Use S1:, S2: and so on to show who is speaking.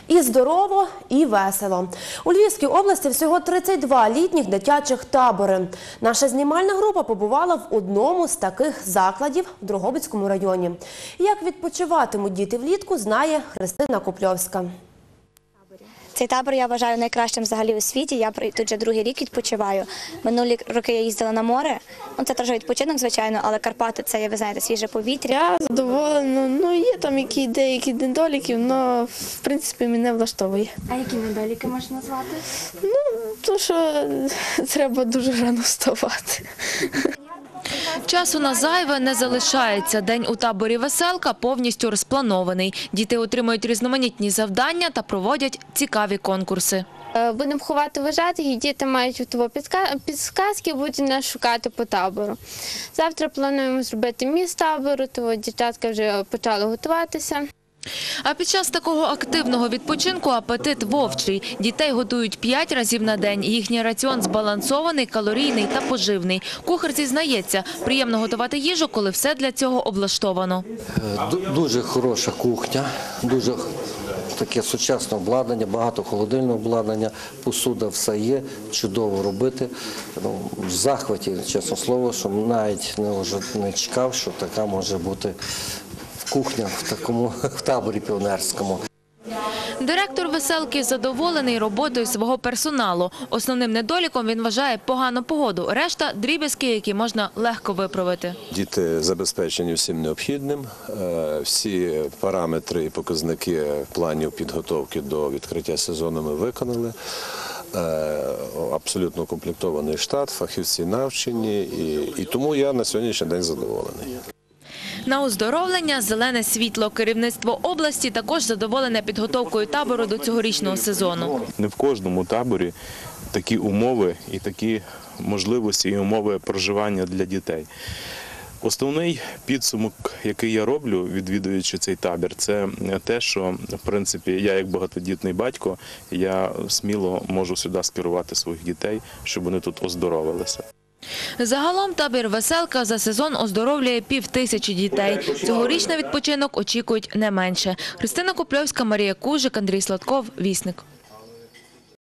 S1: І здорово, і весело. У Львівській області всього 32 літніх дитячих табори. Наша знімальна група побувала в одному з таких закладів в Дрогобицькому районі. Як відпочиватимуть діти влітку, знає Христина Купльовська.
S2: Цей табор я вважаю найкращим взагалі у світі. Я тут вже другий рік відпочиваю. Минулі роки я їздила на море. Це теж відпочинок, звичайно, але Карпати – це, ви знаєте, свіже повітря.
S3: Я задоволена. Є там деякі недоліки, але, в принципі, мене влаштовує.
S2: А які недоліки можна назвати?
S3: То, що треба дуже рано вставати.
S4: Часу на зайве не залишається. День у таборі «Веселка» повністю розпланований. Діти отримують різноманітні завдання та проводять цікаві конкурси.
S5: Будемо ховати вважати, і діти мають підсказки, будуть нас шукати по табору. Завтра плануємо зробити міст табору, то дівчатка вже почали готуватися.
S4: А під час такого активного відпочинку апетит вовчий. Дітей готують 5 разів на день. Їхній раціон збалансований, калорійний та поживний. Кухар зізнається, приємно готувати їжу, коли все для цього облаштовано.
S6: Дуже хороша кухня, дуже таке сучасне обладнання, багато холодильного обладнання, посуда все є, чудово робити. В захваті, чесно слово, що навіть не чекав, що така може бути кухня в таборі піонерському.
S4: Директор «Веселки» задоволений роботою свого персоналу. Основним недоліком він вважає погану погоду. Решта – дріб'язки, які можна легко виправити.
S7: Діти забезпечені всім необхідним. Всі параметри і показники планів підготовки до відкриття сезону ми виконали. Абсолютно укомплектований штат, фахівці навчені, і тому я на сьогоднішній день задоволений.
S4: На оздоровлення – зелене світло. Керівництво області також задоволене підготовкою табору до цьогорічного сезону.
S8: Не в кожному таборі такі умови і такі можливості і умови проживання для дітей. Основний підсумок, який я роблю, відвідуючи цей табір, це те, що, в принципі, я як багатодітний батько, я сміло можу сюди скерувати своїх дітей, щоб вони тут оздоровилися.
S4: Загалом табір «Веселка» за сезон оздоровлює 5000 дітей. Цьогоріч на відпочинок очікують не менше. Христина Купльовська, Марія Кужик, Андрій Сладков, Вісник.